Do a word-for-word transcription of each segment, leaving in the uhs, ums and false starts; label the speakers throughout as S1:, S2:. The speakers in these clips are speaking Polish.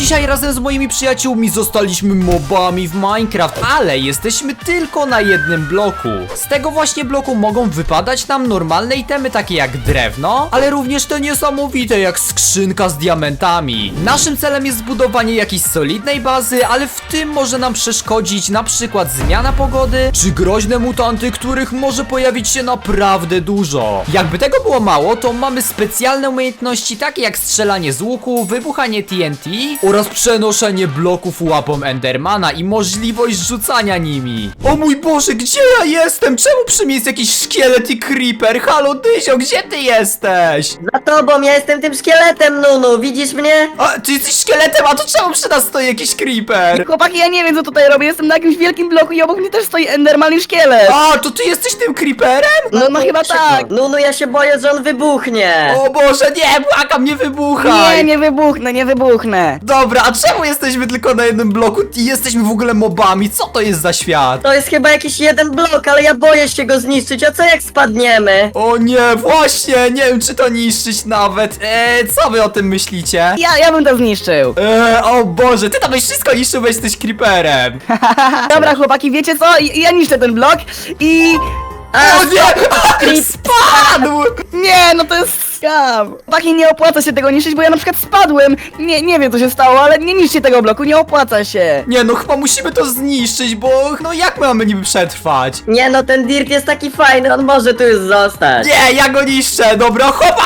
S1: dzisiaj razem z moimi przyjaciółmi zostaliśmy mobami w Minecraft, ale jesteśmy tylko na jednym bloku. Z tego właśnie bloku mogą wypadać nam normalne itemy takie jak drewno, ale również te niesamowite jak skrzynka z diamentami. Naszym celem jest zbudowanie jakiejś solidnej bazy, ale w tym może nam przeszkodzić na przykład zmiana pogody, czy groźne mutanty, których może pojawić się naprawdę dużo. Jakby tego było mało, to mamy specjalne umiejętności takie jak strzelanie z łuku, wybuchanie T N T oraz przenoszenie bloków łapą Endermana i możliwość rzucania nimi. O mój Boże, gdzie ja jestem? Czemu przy mnie jest jakiś szkielet i creeper? Halo Dyzio, gdzie ty jesteś?
S2: Za tobą, ja jestem tym szkieletem, Nunu, widzisz mnie?
S1: A, ty jesteś szkieletem, a to czemu przy nas stoi jakiś creeper?
S3: Chłopaki, ja nie wiem co tutaj robię, jestem na jakimś wielkim bloku i obok mnie też stoi Enderman i szkielet.
S1: A, to ty jesteś tym creeperem?
S3: No, no chyba tak.
S2: Nunu, ja się boję, że on wybuchnie.
S1: O Boże, nie, błagam, nie wybuchaj!
S3: Nie, nie wybuchnę, nie wybuchnę.
S1: Dobra, a czemu jesteśmy tylko na jednym bloku i jesteśmy w ogóle mobami? Co to jest za świat?
S2: To jest chyba jakiś jeden blok, ale ja boję się go zniszczyć, a co jak spadniemy?
S1: O nie, właśnie, nie wiem czy to niszczyć nawet. Eee, co wy o tym myślicie?
S3: Ja, ja bym to zniszczył.
S1: Eee, o Boże, ty tam byś wszystko niszczył, bo jesteś creeperem.
S3: Dobra chłopaki, wiecie co? I- Ja niszczę ten blok i...
S1: O nie! Spadł!
S3: Nie, no to jest skam. Chłopaki, nie opłaca się tego niszczyć, bo ja na przykład spadłem. Nie, nie wiem co się stało, ale nie niszczcie tego bloku, nie opłaca się.
S1: Nie no, chyba musimy to zniszczyć, bo no jak my mamy niby przetrwać?
S2: Nie no, ten dirt jest taki fajny, on może tu już zostać.
S1: Nie, ja go niszczę, dobra, chłopa!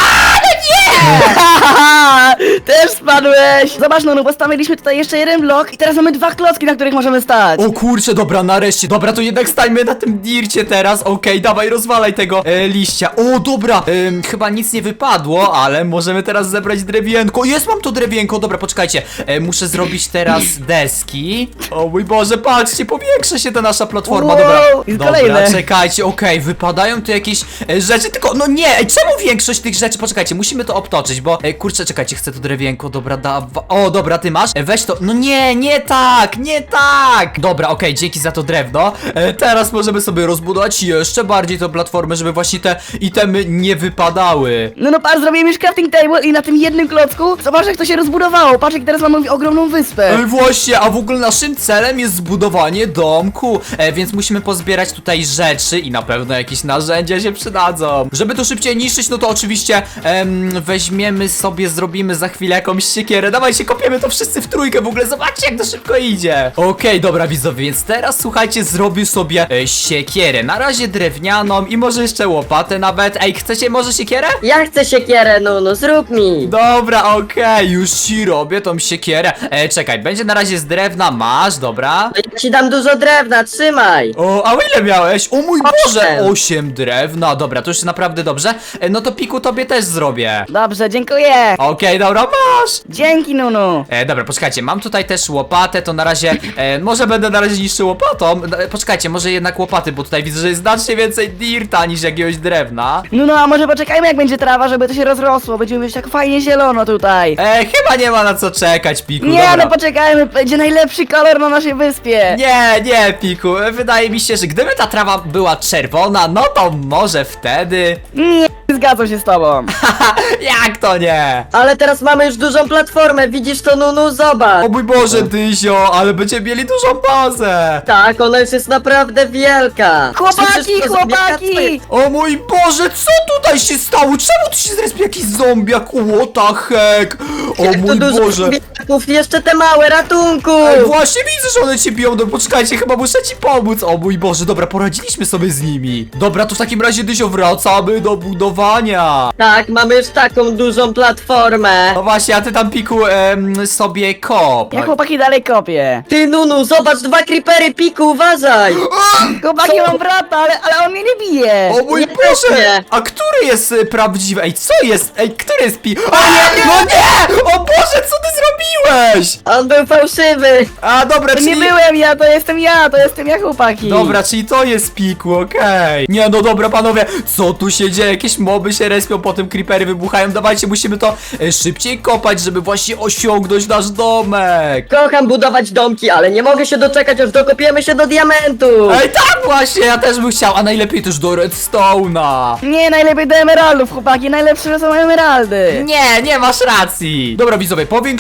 S3: Haha, też spadłeś. Zobacz, no, no postawiliśmy tutaj jeszcze jeden blok i teraz mamy dwa klocki, na których możemy stać.
S1: O kurczę, dobra, nareszcie, dobra, to jednak stańmy na tym dircie teraz, okej, dawaj, rozwalaj tego e, liścia. O, dobra, em, chyba nic nie wypadło, ale możemy teraz zebrać drewienko. Jest, mam to drewienko, dobra, poczekajcie, e, muszę zrobić teraz deski. O mój Boże, patrzcie, powiększa się ta nasza platforma,
S3: Wow,
S1: dobra,
S3: jest
S1: dobra,
S3: kolejne.
S1: czekajcie, okej, wypadają tu jakieś e, rzeczy, tylko, no nie, ej, czemu większość tych rzeczy, poczekajcie, musimy to obtoczyć, bo, e, kurczę, czekajcie, chcę to drewienko, dobra, dawa, o, dobra, ty masz, e, weź to, no nie, nie tak, nie tak, dobra, okej, dzięki za to drewno, e, teraz możemy sobie rozbudować jeszcze bardziej tę platformę, żeby właśnie te itemy nie wypadały.
S3: No no patrz, zrobiłem już crafting table i na tym jednym klocku zobacz jak to się rozbudowało. Patrz jak teraz mamy ogromną wyspę.
S1: E, właśnie, a w ogóle naszym celem jest zbudowanie domku, e, więc musimy pozbierać tutaj rzeczy i na pewno jakieś narzędzia się przydadzą. Żeby to szybciej niszczyć, no to oczywiście em, weźmiemy sobie, zrobimy za chwilę jakąś siekierę. Dawajcie, kopiemy to wszyscy w trójkę, w ogóle zobaczcie jak to szybko idzie. Okej, dobra widzowie, więc teraz słuchajcie, zrobię sobie e, siekierę, na razie drewnianą i może jeszcze łopatę nawet. Ej, chcecie może siekierę?
S2: Ja chcę siekierę, Nunu, zrób mi.
S1: Dobra, okej, już ci robię tą siekierę. E, czekaj, będzie na razie z drewna, masz, dobra.
S2: Ja ci dam dużo drewna, trzymaj.
S1: O, a ile miałeś? O mój
S2: Osiem.
S1: Boże, osiem drewna, dobra, to już naprawdę dobrze. E, no to Piku tobie też zrobię.
S3: Dobrze, dziękuję.
S1: Okej, dobra, masz.
S3: Dzięki, Nunu.
S1: E, dobra, poczekajcie, mam tutaj też łopatę, to na razie, e, może będę na razie niszczył łopatą. E, poczekajcie, może jednak łopaty, bo tutaj widzę, że jest znacznie więcej dirta niż jakiegoś drewna.
S3: No no, a może poczekajmy jak będzie trawa, żeby to się rozrosło. Będziemy mieć tak fajnie zielono tutaj.
S1: E, chyba nie ma na co czekać, Piku,
S3: Nie,
S1: dobra.
S3: no poczekajmy, będzie najlepszy kolor na naszej wyspie.
S1: Nie, nie, Piku, e, wydaje mi się, że gdyby ta trawa była czerwona, no to może wtedy.
S3: Nie, zgadzam się z tobą.
S1: Haha, jak to nie?
S2: Ale teraz mamy już dużą platformę, widzisz to, Nunu? Zobacz.
S1: O mój Boże, Dyzio, ale będziemy mieli dużą bazę.
S2: Tak, ona już jest naprawdę wielka.
S3: Chłopaki,
S2: Przecież to
S3: chłopaki!
S1: O mój Boże, co tutaj się stało? Czemu tu się zrespił jakiś zombiak? What the heck? O
S2: Jak tu
S1: mój
S2: dużo
S1: Boże.
S2: zombiaków, jeszcze te małe, ratunku!
S1: Ej, właśnie widzę, że one cię biją, no poczekajcie, chyba muszę ci pomóc. O mój Boże, dobra, poradziliśmy sobie z nimi. Dobra, to w takim razie, Dyzio, wracamy do budowania.
S2: Tak, mamy już taką dużą platformę.
S1: No właśnie, a ty tam, Piku, em, sobie kop.
S3: Ja chłopaki dalej kopię.
S2: Ty, Nunu, zobacz, dwa creepery, Piku, uważaj!
S3: Chłopaki, mam brata, ale, ale on mnie nie bije.
S1: O mój
S2: Nie
S1: Boże!
S2: pewnie.
S1: A który jest y, prawdziwy? Ej, co jest? Ej, który jest pi... O nie, no nie! O Boże, co ty zrobiłeś?
S2: On był fałszywy.
S1: A, dobra,
S3: To
S1: czyli...
S3: nie byłem ja, to jestem ja, to jestem ja chłopaki.
S1: Dobra, czyli to jest Piku, okej. Nie, no dobra, panowie, co tu się dzieje? Jakieś moby się respią, potem creepery wybuchają. Dawajcie, musimy to e, szybciej kopać, żeby właśnie osiągnąć nasz domek.
S2: Kocham budować domki, ale nie mogę się doczekać, aż dokopiemy się do diamentu.
S1: Ej, tak właśnie, ja też bym chciał, a najlepiej też do redstone'a.
S3: Nie, najlepiej do emeraldów, chłopaki, najlepsze są emeraldy.
S1: Nie, nie masz racji. Dobra, widzowie, powiększamy teraz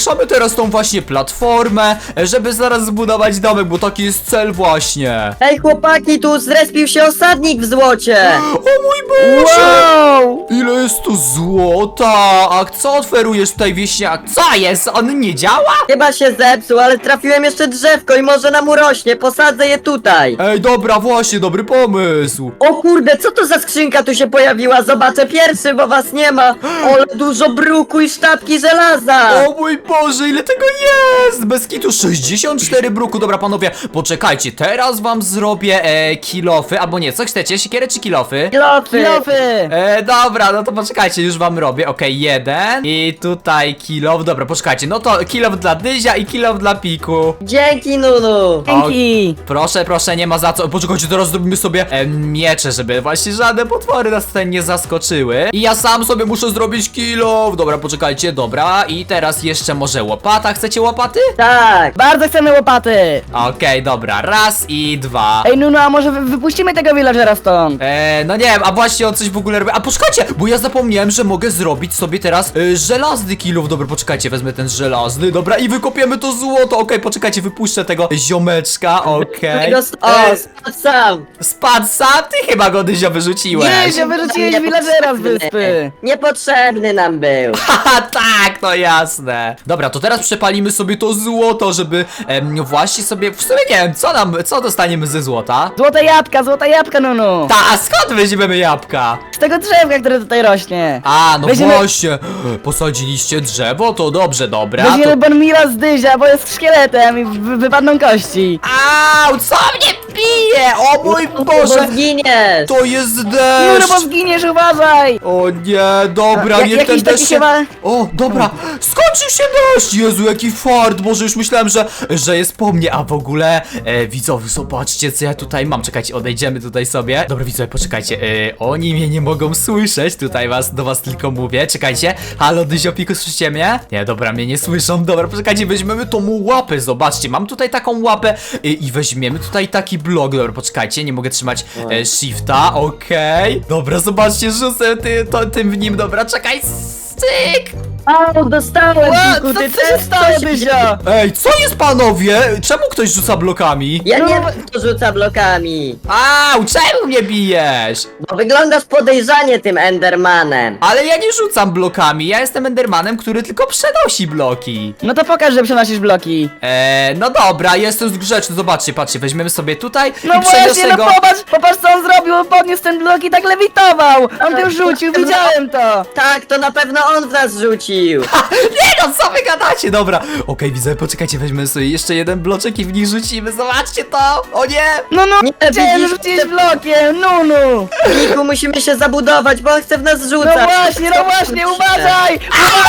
S1: teraz tą właśnie platformę, e, żeby zaraz zbudować domek, bo taki jest cel właśnie.
S2: Ej chłopaki, tu zrespił się osadnik w złocie!
S1: O mój Boże!
S3: Wow!
S1: Ile jest tu złota? A co oferujesz tutaj, wieśniak? Co jest? On nie działa?
S2: Chyba się zepsuł, ale trafiłem jeszcze drzewko i może nam urośnie, posadzę je tutaj.
S1: Ej, dobra, właśnie, dobry pomysł.
S2: O kurde, co to za skrzynka tu się pojawiła? Zobaczę pierwszy, bo was nie ma. Ale dużo bruku i sztabki żelaza.
S1: O mój Boże, ile tego jest! Bez kitu sześćdziesiąt cztery bruku. Dobra, panowie, poczekajcie, teraz wam zrobię e, kilofy, albo nie, co chcecie, siekierę czy kilofy?
S2: Kilofy.
S3: Kilofy!
S1: E, dobra, no to poczekajcie, już wam robię. Okej, jeden. I tutaj kilof. Dobra, poczekajcie. No to kilof dla Dyzia i kilof dla Piku.
S2: Dzięki Nunu.
S3: Dzięki!
S1: Proszę, proszę, nie ma za co. Poczekajcie, teraz zrobimy sobie e, miecze, żeby właśnie żadne potwory nas tutaj nie zaskoczyły. I ja sam sobie muszę zrobić kilof. Dobra, poczekajcie, dobra. I teraz jeszcze może łopata. Chcecie łopaty?
S2: Tak.
S3: Bardzo chcemy łopaty!
S1: Okej, dobra. Raz i dwa.
S3: Ej, Nunu, a może wy wypuścimy tego villagera stąd?
S1: Eee, no nie wiem, a właśnie on coś w ogóle robi. A poczekajcie, bo ja zapomniałem, że mogę zrobić sobie teraz e, żelazny kilów. Dobra, poczekajcie, wezmę ten żelazny. Dobra, i wykopiemy to złoto. Okej, poczekajcie, wypuszczę tego ziomeczka. Okej.
S2: Tego st- o,
S1: E,
S2: spadł sam.
S1: Spadł sam? Ty chyba go, Dyzio, vyrzuciłeś.
S3: Nie, że wyrzuciłeś villagera z wyspy!
S2: Niepotrzebny nam był.
S1: Haha, tak, to jasne. Dobra, to teraz przepalimy sobie to złoto, żeby em, właśnie sobie, w sumie nie wiem, co nam, co dostaniemy ze złota?
S3: Złote jabłka, złote jabłka, Nunu!
S1: Ta, a skąd weźmiemy jabłka?
S3: Z tego drzewka, które tutaj rośnie!
S1: A, no
S3: Weźmiemy-
S1: właśnie, posadziliście drzewo, to dobrze, dobra.
S3: Weźmiemy
S1: To...
S3: Bonmira z Dyzia, bo jest szkieletem i wy wypadną kości!
S1: Au, co mnie bije? O mój
S2: Bo
S1: Boże,
S2: zginiesz.
S1: to jest
S3: Nunu,
S1: deszcz.
S3: bo zginiesz, uważaj!
S1: O nie, dobra,
S3: Ja-
S1: niech ten
S3: jakiś taki
S1: deszcz się...
S3: chyba-
S1: O, dobra, skończył się deszcz! Jezu, jaki fart, Boże, już myślałem, że, że jest po mnie, a w ogóle, e, widzowie, zobaczcie, co ja tutaj mam. Czekajcie, odejdziemy tutaj sobie. Dobra, widzowie, poczekajcie, e, oni mnie nie mogą słyszeć, tutaj was, do was tylko mówię. Czekajcie, halo, Dyzio, Piku, słyszycie mnie? Nie, dobra, mnie nie słyszą, dobra, poczekajcie, weźmiemy tą łapę, zobaczcie, mam tutaj taką łapę e, i weźmiemy tutaj taki blok, dobra, poczekajcie, nie mogę trzymać e, shifta, okej. Dobra, zobaczcie, rzucę ty, to, tym w nim, dobra, czekaj, styk!
S2: O, dostałem,
S3: Ła,
S2: Piku,
S3: co
S2: ty
S3: ty
S2: też
S3: się stało,
S2: coś
S3: Dyzio?
S1: Ej, co jest, panowie? Czemu ktoś rzuca blokami?
S2: Ja
S3: No,
S2: nie
S3: bo-
S2: wiem, kto rzuca blokami.
S1: Au, czemu mnie bijesz?
S2: Bo wyglądasz podejrzanie tym Endermanem.
S1: Ale ja nie rzucam blokami, ja jestem Endermanem, który tylko przenosi bloki.
S3: No to pokaż, że przenosisz bloki!
S1: Eee, no dobra, jestem grzeczny, zobaczcie, patrzcie, weźmiemy sobie tutaj
S3: No
S1: i
S3: właśnie,
S1: przeniosę
S3: no
S1: go...
S3: popatrz, popatrz co on zrobił, on podniósł ten blok i tak lewitował! On to rzucił, widziałem to!
S2: Tak, to na pewno on w nas rzucił.
S1: Nie no, co wy gadacie? Dobra, okej, widzę, poczekajcie, weźmiemy sobie jeszcze jeden bloczek i w nich rzucimy, zobaczcie to! O nie!
S3: No no,
S2: Nie,
S3: chciałem
S2: widzisz,
S3: rzucić
S2: te-
S3: blokiem, Nunu!
S2: Piku, musimy się zabudować, bo on chce w nas
S3: No
S2: rzucać.
S3: właśnie, no właśnie, uważaj!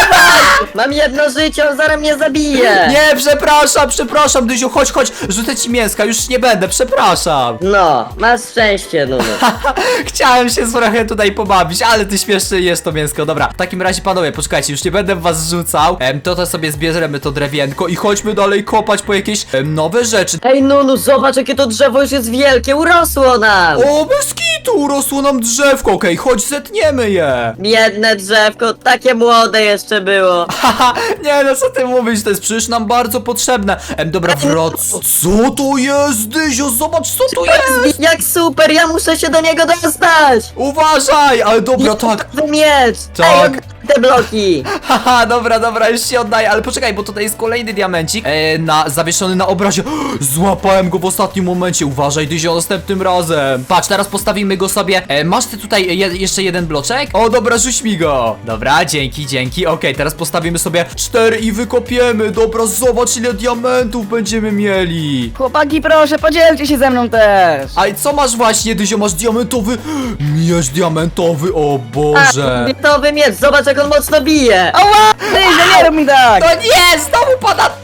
S2: Mam jedno życie, on zaraz mnie zabije.
S1: Nie, przepraszam, przepraszam, Dyziu, chodź, chodź, rzucę ci mięska, już nie będę, przepraszam.
S2: No, masz szczęście, Nunu.
S1: Chciałem się trochę tutaj pobawić, ale ty śmieszny jest to mięsko. Dobra, w takim razie panowie, poczekajcie, już nie będę w was rzucał. Em, to to sobie zbierzemy to drewienko i chodźmy dalej kopać po jakieś em, nowe rzeczy.
S2: Ej, Nunu, zobacz, jakie to drzewo już jest wielkie, urosło nam.
S1: O, bez kitu, urosło nam drzewko, okej, chodź, zetniemy je.
S2: Biedne drzewko, takie młode jeszcze było.
S1: Haha, nie no, co ty mówisz, to jest przecież nam bardzo potrzebne. Em, dobra, wrac... Co to jest, Dyzio, zobacz, co to jest.
S2: Jak super, ja muszę się do niego dostać.
S1: Uważaj, ale dobra, tak.
S2: Wy miecz.
S1: Tak.
S2: Ej, oddaj te bloki.
S1: Haha, dobra, dobra, już się oddaję, ale poczekaj, bo tutaj jest kolejny diamencik e, na, zawieszony na obrazie. Złapałem go w ostatnim momencie, uważaj, Dyzio, następnym razem. Patrz, teraz postawimy go sobie. E, masz ty tutaj je, jeszcze jeden bloczek? O, dobra, rzuć mi go. Dobra, dzięki, dzięki, okej, teraz postawimy sobie cztery i wykopiemy. Dobra, zobacz, ile diamentów będziemy mieli.
S3: Chłopaki, proszę, podzielcie się ze mną też!
S1: A i co masz właśnie, Dyzio, masz diamentowy miecz diamentowy, o Boże.
S2: Gotowy miecz, zobacz jak on mocno bije.
S3: Ała! Dyzio, nie rób mi tak!
S1: No nie, znowu pada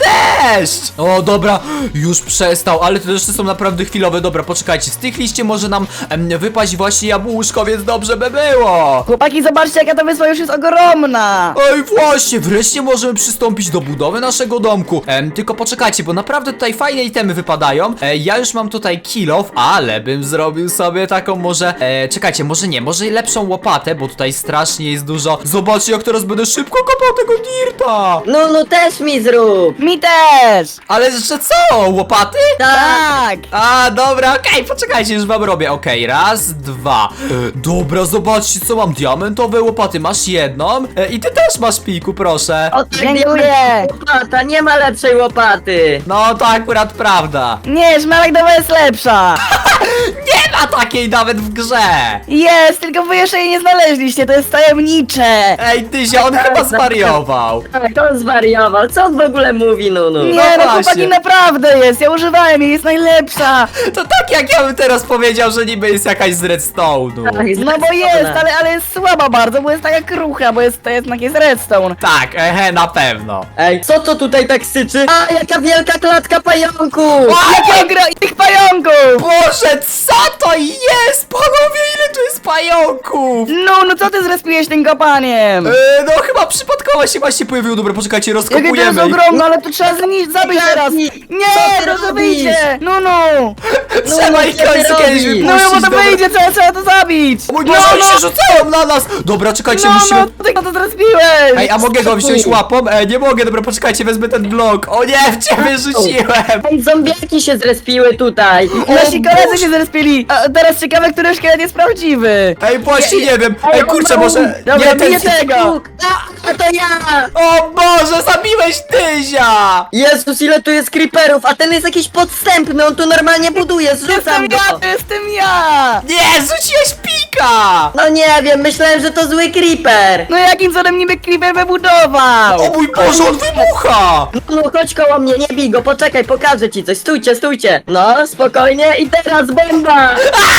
S1: deszcz! O, dobra, już przestał, ale te deszcze są naprawdę chwilowe. Dobra, poczekajcie, z tych liści może nam em, wypaść właśnie jabłuszko, więc dobrze by było.
S3: Chłopaki, zobaczcie, jaka ta wyspa już jest ogromna.
S1: Ej, właśnie, wreszcie możemy przystąpić do budowy naszego domku. Em, tylko poczekajcie, bo naprawdę tutaj fajne itemy wypadają. E, ja już mam tutaj kilof, ale bym zrobił sobie taką może... E, czekajcie, może nie, może lepszą łopatę, bo tutaj strasznie jest dużo. Zobaczcie, jak teraz będę szybko kopał tego dirta.
S2: No, no też mi zrób.
S3: Mi też.
S1: Ale że co, łopaty?
S3: Tak.
S1: A, dobra, okej, poczekajcie, już wam robię. Okej, raz, dwa. E, dobra, zobaczcie, co mam. Diamentowe łopaty, masz jedną. E, I ty też masz, Piku, proszę.
S2: O, tak,
S3: Dziękuję.
S2: łopata, nie ma lepszej łopaty.
S1: No, to akurat prawda.
S3: Nie, szmaragdowa jest lepsza.
S1: Nie ma takiej nawet w grze.
S3: Jest, tylko wy jeszcze jej nie znaleźliście, to jest tajemnicze.
S1: Ej, Tyzia, on chyba zwariował.
S2: Tak, on zwariował. Co on w ogóle mówi, Nunu?
S3: Nie,
S1: No
S3: no
S1: właśnie.
S3: chłopaki, naprawdę jest, ja używałem jej, jest najlepsza.
S1: To tak jak ja bym teraz powiedział, że niby jest jakaś z redstone'u.
S2: Tak,
S3: No bo jest, ale, ale jest słaba bardzo, bo jest taka krucha, bo jest, to jest, jest redstone.
S1: Tak, ehe, na pewno.
S2: Ej, co to tutaj tak syczy? A, jaka wielka klatka pająków!
S3: Jakie gra tych pająków!
S1: Boże, co to jest? Panowie, ile tu jest pająków?
S3: No, no co ty zrespiłeś tym kopaniem?
S1: E, no chyba przypadkowo się właśnie pojawił. Dobra, poczekajcie,
S3: Jakie to jest
S1: rozkopujemy ich.
S3: ogromne, ale to trzeba zniszczyć, zabić teraz!
S2: Co
S3: Nie,
S2: ty
S3: no to
S2: robisz?
S3: wyjdzie! No, no!
S1: Trzeba
S2: no,
S1: ich
S2: co ty
S1: końcu kiedyś
S2: robisz?
S3: No,
S1: wypuścić.
S3: bo to
S1: dobra.
S3: wyjdzie, trzeba, trzeba to zabić!
S1: O mój
S3: No,
S1: Boże, oni
S3: no,
S1: się rzucają na nas! Dobra, czekajcie,
S3: no,
S1: musimy...
S3: no, ty to zrespiłeś!
S1: Ej, a mogę go wziąć łapą? E, nie mogę, dobra, poczekajcie, wezmę ten blok. O nie, w ciebie rzuciłem!
S2: Ej, zombiaki się zrespiły tutaj!
S3: Nasi
S1: O
S3: koledzy
S1: Boże.
S3: się zrespili! A teraz ciekawe, który szkielet jest prawdziwy!
S1: Ej, właśnie nie wiem. Ej, kurczę, może...
S3: Dobra,
S1: Nie, ten...
S3: biję tego!
S2: A, a to ja!
S1: O Boże, zabiłeś Tyzia!
S2: Jezus, ile tu jest creeperów, a ten jest jakiś podstępny, on tu normalnie buduje, zrzucam
S3: Jestem
S2: go!
S3: ja, to jestem ja!
S1: Nie, rzuciłeś pika!
S2: No nie wiem, myślałem, że to zły creeper!
S3: No jakim cudem niby Creeper wybudował?
S1: O mój Boże, on wybucha!
S2: No chodź koło mnie, nie bij go, poczekaj, pokażę ci coś, stójcie, stójcie! No, spokojnie i teraz bomba!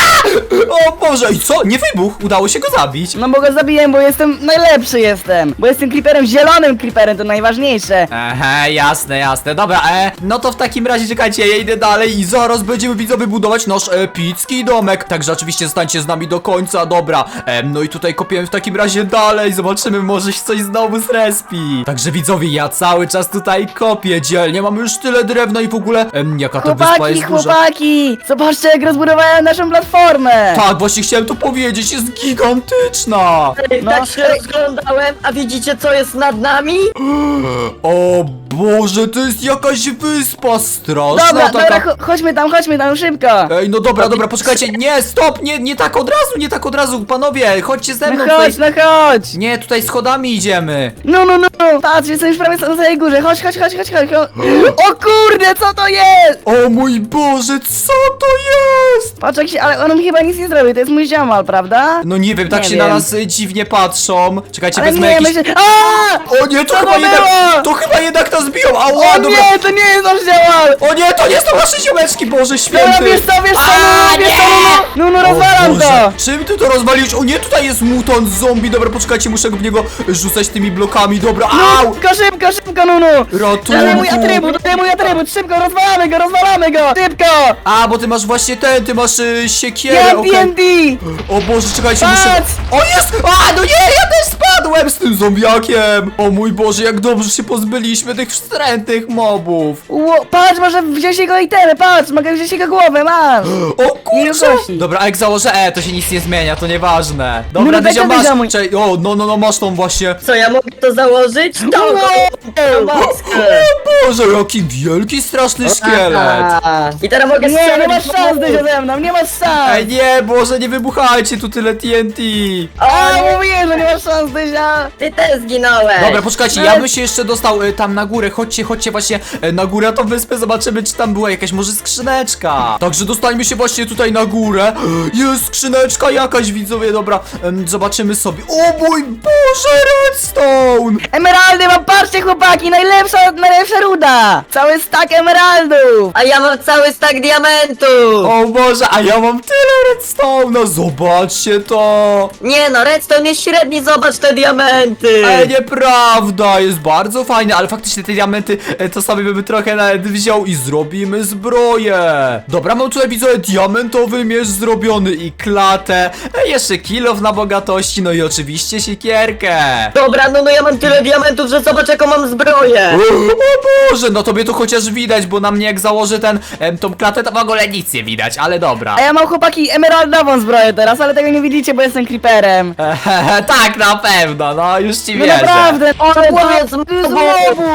S1: O Boże, i co? Nie wybuchł, udało się go zabić.
S3: No bo go zabiłem, bo jestem najlepszy jestem. Bo jestem Creeperem, zielonym Creeperem, to najważniejsze.
S1: Aha, jasne, jasne. Dobra, e, no to w takim razie czekajcie, ja idę dalej i zaraz będziemy widzowie budować nasz epicki domek. Także oczywiście zostańcie z nami do końca, dobra. E, no i tutaj kopiemy w takim razie dalej, zobaczymy, może się coś znowu zrespi. Także widzowie, ja cały czas tutaj kopię dzielnie, mamy już tyle drewna i w ogóle, em, jaka ta wyspa
S3: Chłopaki,
S1: jest duża.
S3: chłopaki! Zobaczcie, jak rozbudowałem naszą platformę!
S1: Tak, właśnie chciałem to powiedzieć, jest gigantyczna.
S2: Ej,
S3: No,
S2: tak się
S3: ej.
S2: rozglądałem, a widzicie co jest nad nami?
S1: O Boże, to jest jakaś wyspa straszna
S3: Dobra,
S1: taka.
S3: dobra, cho- chodźmy tam, chodźmy tam, szybko!
S1: Ej, no dobra, dobra, poczekajcie, nie, stop, nie, nie tak od razu, nie tak od razu, panowie, chodźcie ze
S3: No
S1: mną
S3: chodź,
S1: tutaj.
S3: no chodź!
S1: Nie, tutaj schodami idziemy.
S3: No, no, no, no! Patrz, jestem już prawie na samej górze, chodź, chodź, chodź, chodź, chodź! chodź. O kurde, co to jest?
S1: O mój Boże, co to jest?
S3: Patrz, jak się, ale on mi chyba nic nie zrobił, to jest mój ziomal, prawda?
S1: No nie wiem, tak
S3: Nie
S1: się
S3: wiem.
S1: na nas y, dziwnie patrzą. Czekajcie,
S3: Ale
S1: wezmę
S3: nie,
S1: jakiś...
S3: myślę... A!
S1: O nie, to
S3: Co
S1: chyba
S3: to
S1: jednak...
S3: było?
S1: To chyba jednak nas biją, ała,
S3: O
S1: dobra.
S3: nie, to nie jest nasz ziomal!
S1: O nie, to nie są nasze ziomeczki, Boże
S3: Dobra,
S1: święty.
S3: wiesz co, wiesz co,
S1: A,
S3: no, wiesz
S1: nie!
S3: co, no, no, no, no,
S1: O
S3: rozwalam
S1: Boże,
S3: to!
S1: czym ty to rozwaliłeś? O nie, tutaj jest mutant zombie. Dobra, poczekajcie, muszę go w niego rzucać tymi blokami. Dobra, au!
S3: Szybko, szybko, szybko, no, no! To jest mój
S1: Ratunku!
S3: atrybut, to jest mój atrybut, szybko, rozwalamy go, rozwalamy go! Szybko!
S1: A, bo ty masz właśnie ten, ty masz y, siekierę,
S3: Ja
S1: okej.
S3: T N T!
S1: O Boże, czekajcie, muszę...
S3: Patrz!
S1: O, jest! A, no nie, ja też spadłem z tym zombiakiem! O mój Boże, jak dobrze się pozbyliśmy tych wstrętnych mobów!
S3: Ło, patrz, może wziąć jego itemy, patrz, mogę wziąć jego głowę, masz!
S1: O kurczę!
S3: Wielkości.
S1: Dobra, a jak założę E, to się nic nie zmienia, to nieważne.
S3: No,
S1: Dobra,
S3: no, daj
S1: Dyzia,
S3: to,
S1: masz...
S3: Dyzia, mój.
S1: Czekaj, o, no, no, no, masz tą właśnie...
S2: Co, ja mogę to założyć? To
S3: Wow.
S2: go!
S1: O
S2: maskę!
S1: Boże, jaki wielki, straszny szkielet!
S2: Aha. I teraz mogę
S3: Nie, nie
S2: strzelać
S3: masz
S2: w
S3: szans,
S2: pomysł.
S3: Dyzio, ze mną, nie masz szans!
S1: Ej, nie, Boże, nie wybuchajcie tu tyle T N T!
S3: A,
S2: O, nie,
S3: mówiłem, że nie masz szans, Dyzia!
S2: ty też zginąłeś!
S1: Dobra, poczekajcie,
S3: No
S1: ja
S3: ale-
S1: bym się jeszcze dostał y, tam na górę. Chodźcie, chodźcie właśnie y, na górę, na tą wyspę, zobaczymy, czy tam była jakaś może skrzyneczka. Także dostańmy się właśnie tutaj na górę. Jest skrzyneczka jakaś, widzowie, dobra, em, zobaczymy sobie. O mój Boże, redstone!
S3: Emeraldy mam, patrzcie chłopaki, najlepsza, najlepsza ruda! Cały stack emeraldów!
S2: A ja mam cały stack diamentów!
S1: O Boże, a ja mam tyle redstone'a, zobaczcie to!
S2: Nie no, redstone jest średni, zobacz te diamenty!
S1: Ej, nieprawda, jest bardzo fajny, ale faktycznie te diamenty, e, to sobie bym trochę nawet wziął i zrobimy zbroję. Dobra, mam tutaj widzowie diamentowy miecz zrobiony i klatę, e, jeszcze kilof na bogatości, no i oczywiście siekierkę.
S2: Dobra, no no ja mam tyle diamentów, że zobacz jaką mam zbroję.
S1: O Boże, no tobie to chociaż widać, bo na mnie jak założę ten, em, tą klatę, to w ogóle nic nie widać, ale dobra.
S3: A ja mam chłopaki emeraldową zbroję teraz, ale tego nie widzicie, bo jestem creeperem.
S1: Ehehe, tak, na pewno, no już ci
S3: No
S1: wierzę.
S3: naprawdę,
S2: Ale
S3: wow,
S2: tu jest
S3: to jest
S2: mobu.
S3: mobu.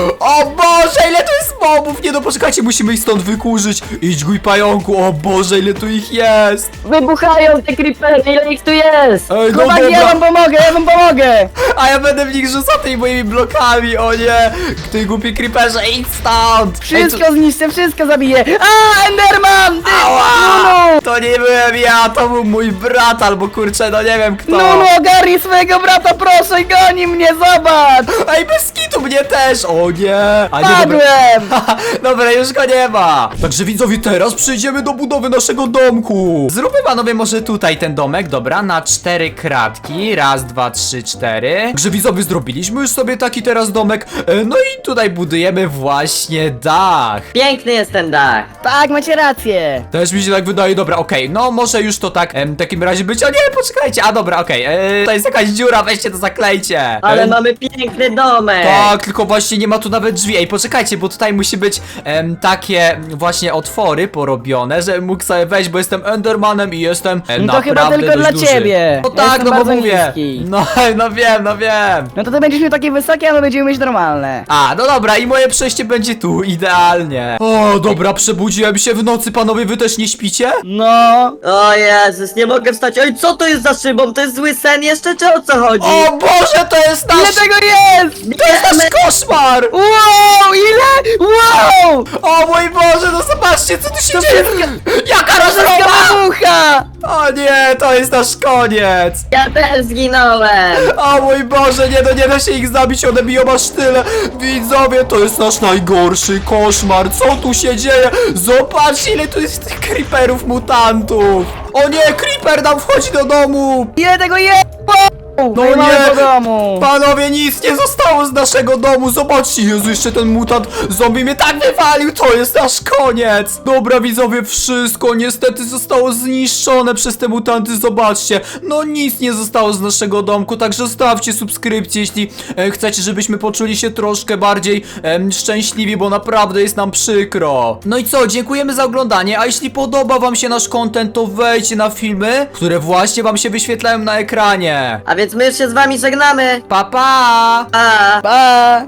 S1: O Boże, ile tu jest mobów! Nie no, poczekajcie, musimy ich stąd wykurzyć. Idź, gój pająku, o Boże, ile tu ich jest!
S2: Wybuchają te creepery, ile ich tu jest?
S1: Ej, no
S3: Chłopaki, ja
S1: dobra,
S3: wam pomogę, ja wam pomogę.
S1: a ja będę w nich rzucał tymi moimi blokami, o nie! Ty głupi creeperze, idź stąd! Ej,
S3: Wszystko zniszczę, wszystko zabiję. A, Enderman! Ty,
S1: Ała!
S3: Nunu!
S1: To nie byłem ja, to był mój brat, albo kurczę, no nie wiem kto.
S3: Nunu, ogarnij swojego brata, proszę, goni mnie, zobacz!
S1: Ej, bez kitu mnie też! O nie! A nie, dobra.
S3: Padłem!
S1: Dobra, już go nie ma! Także widzowie, teraz przejdziemy do budowy naszego domku. Zróbmy panowie może tutaj ten domek, dobra, na cztery kratki. Raz, dwa, trzy, cztery. Także widzowie, zrobiliśmy już sobie taki teraz domek. E, No i tutaj budujemy właśnie dach.
S2: Piękny jest ten dach.
S3: Tak, macie rację.
S1: Też mi się tak wydaje, dobra, okej, no może już to tak em, w takim razie być. O nie, poczekajcie, a dobra, okej, e, to jest jakaś dziura, weźcie to zaklejcie.
S2: Ale
S1: E,
S2: mamy piękny domek.
S1: Tak, tylko właśnie nie ma tu nawet drzwi. Ej, poczekajcie, bo tutaj musi być em, takie właśnie otwory porobione, że mógł sobie wejść, bo jestem Endermanem i jestem e,
S3: No to chyba
S1: naprawdę
S3: tylko
S1: dość
S3: dla
S1: duży.
S3: ciebie.
S1: No
S3: Ja
S1: tak,
S3: jestem
S1: no bo
S3: bardzo
S1: mówię.
S3: niski.
S1: No, no wiem, no wiem.
S3: No to ty będziesz miał takie wysokie, a my będziemy mieć normalne.
S1: A, no dobra, i moje przejście będzie tu, idealnie. O, dobra, przebudziłem się w nocy, panowie, wy też nie śpicie?
S3: No.
S2: O Jezus, nie mogę wstać. Oj, co to jest za szybą? To jest zły sen jeszcze, czy o co chodzi?
S1: O Boże, to jest
S3: Ile
S1: nasz...
S3: tego jest?
S1: To jest nasz koszmar!
S3: Wow, ile? Wow!
S1: O mój Boże, no zobaczcie, co tu się
S3: To
S1: dzieje! Jaka rozroba!
S3: Wszystko wybucha!
S1: O nie, to jest nasz koniec!
S2: Ja też zginąłem.
S1: O mój Boże, nie, no nie da się ich zabić, one biją aż tyle! Widzowie, to jest nasz najgorszy koszmar, co tu się dzieje? Zobaczcie, ile tu jest tych creeperów mutantów! O nie, creeper nam wchodzi do domu!
S3: Ile tego jest? Wow!
S1: No
S3: No i mamy
S1: nie.
S3: po domu.
S1: Panowie, nic nie zostało z naszego domu, zobaczcie, Jezu, jeszcze ten mutant zombie mnie tak wywalił, to jest nasz koniec! Dobra, widzowie, wszystko niestety zostało zniszczone przez te mutanty, zobaczcie, no nic nie zostało z naszego domku, także zostawcie subskrypcję, jeśli e, chcecie, żebyśmy poczuli się troszkę bardziej em, szczęśliwi, bo naprawdę jest nam przykro. No i co, dziękujemy za oglądanie, a jeśli podoba wam się nasz content, to wejdźcie na filmy, które właśnie wam się wyświetlają na ekranie.
S2: A więc my już się z wami żegnamy.
S1: Pa, pa!
S2: Pa!
S3: Pa!